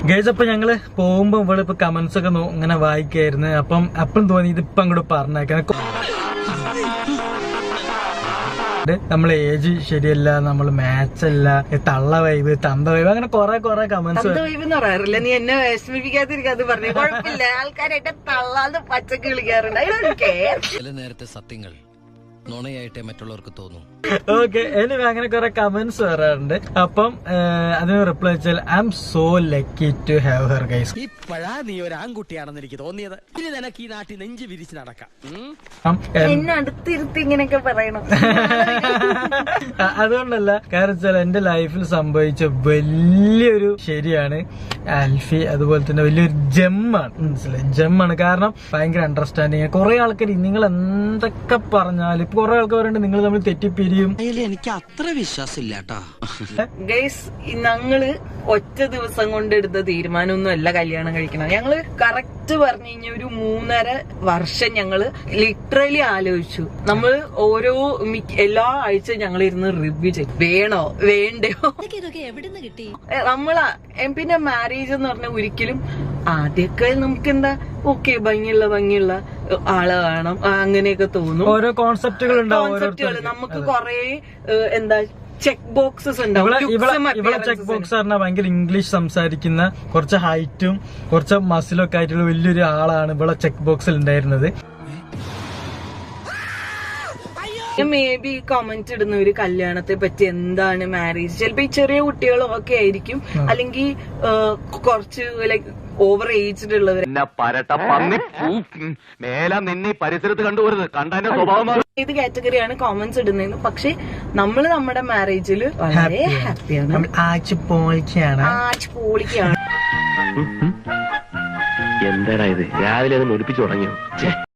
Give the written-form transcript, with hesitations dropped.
Guys അപ്പൊ ഞങ്ങള് പോകുമ്പോ ഇവിടെ ഇപ്പൊ കമന്റ്സ് ഒക്കെ ഇങ്ങനെ വായിക്കായിരുന്നു. അപ്പം തോന്നി ഇതിപ്പോ അങ്ങോട്ട് പറഞ്ഞേക്കാൻ. നമ്മളെ ഏജ് ശരിയല്ല, നമ്മള് മാച്ച് അല്ല, തള്ള വൈബ്, തന്ത വൈബ്, അങ്ങനെ കൊറേ കമന്റ്സ്. പറയാറില്ല, നീ എന്നെ വിഷമിപ്പിക്കാതിരിക്കാതെ പറഞ്ഞു. കുഴപ്പമില്ല, ആൾക്കാരായിട്ട് തള്ളാന്ന് പച്ചക്ക് വിളിക്കാറുണ്ട്. നേരത്തെ സത്യങ്ങൾ നുണയായിട്ടേ മറ്റുള്ളവർക്ക് തോന്നും. ഓക്കെ, എനിക്ക് അങ്ങനെ കുറെ കമന്റ്സ് വരാറുണ്ട്. അപ്പം അതിന് റിപ്ലൈ വെച്ചാൽ I am so lucky to have her guys. ഇപ്പഴാ നീ ഒരു ആൺകുട്ടിയാണെന്ന് എനിക്ക് തോന്നിയത്. ഇനി നിനക്ക് ഈ നാട്ടിൽ നെഞ്ചു വിരിച്ച് നടക്കാം. എന്നെ അടുത്തിരുത്തി ഇങ്ങനെയൊക്കെ പറയണം. അതുകൊണ്ടല്ല, കാരണം വെച്ചാൽ എന്റെ ലൈഫിൽ സംഭവിച്ച വലിയൊരു ശരിയാണ് ആൽഫി. അതുപോലെ തന്നെ വലിയൊരു ജെമ്മാണ്, മനസ്സിലായി, ജെമ്മാണ്. കാരണം ഭയങ്കര അണ്ടർസ്റ്റാൻഡിങ്. കുറെ ആൾക്കാർ നിങ്ങൾ എന്തൊക്കെ പറഞ്ഞാലും ഇപ്പൊ കുറെ ആൾക്കാർ പറയുന്നുണ്ട് നിങ്ങൾ തമ്മിൽ തെറ്റിപ്പിരിയും. എനിക്ക് അത്ര വിശ്വാസമില്ല കേട്ടോ ഗൈസ്. ഞങ്ങള് ഒറ്റ ദിവസം കൊണ്ട് എടുത്ത തീരുമാനമൊന്നും അല്ല കല്യാണം കഴിക്കണം. ഞങ്ങള് കറക്റ്റ് പറഞ്ഞു കഴിഞ്ഞാൽ ഒരു 3.5 വർഷം ഞങ്ങള് ലിറ്ററലി ആലോചിച്ചു. നമ്മൾ എല്ലാ ആഴ്ച ഞങ്ങൾ ഇരുന്ന് റിവ്യൂ ചെയ്യും, വേണോ വേണ്ടയോ. നമ്മളാ പിന്നെ മാരേജ് എന്ന് പറഞ്ഞാൽ ഒരിക്കലും ആദ്യമൊക്കെ നമുക്ക് എന്താ ഓക്കെ ഭംഗിയുള്ള ആളെ വേണം, അങ്ങനെയൊക്കെ തോന്നും. ഓരോ കോൺസെപ്റ്റുകൾ നമുക്ക് കൊറേ എന്താ ചെക്ക് ബോക്സസ് ഉണ്ടാവും. ഇവിടെ ചെക്ക് ബോക്സ് പറഞ്ഞാൽ ഭയങ്കര ഇംഗ്ലീഷ് സംസാരിക്കുന്ന, കുറച്ച് ഹൈറ്റും കുറച്ച് മസിലും ഒക്കെ ആയിട്ടുള്ള വലിയൊരു ആളാണ് ഇവിടെ ചെക്ക് ബോക്സിൽ ഉണ്ടായിരുന്നത്. മേ ബി കമന്റ് ഇടുന്ന ഒരു കല്യാണത്തെ പറ്റി എന്താണ് മാരേജ്, ചിലപ്പോ ഈ ചെറിയ കുട്ടികളും ഒക്കെ ആയിരിക്കും, അല്ലെങ്കിൽ കുറച്ച് ലൈക്ക് ഓവർ ഏജ്ഡ് ഉള്ളവർ. പരിസരത്ത് കണ്ടുപോരുത്, കണ്ടതിന്റെ സ്വഭാവം ഏത് കാറ്റഗറിയാണ് കോമന്റ്സ് ഇടുന്നതെന്ന്. പക്ഷെ നമ്മള് നമ്മുടെ മാരേജിൽ വളരെ ഹാപ്പിയാണ്, ആഴ്ച പൊളിക്കാണ്. എന്താടാ ഇത്, രാവിലെ അത് ഒലിപ്പിച്ചു തുടങ്ങിയോ?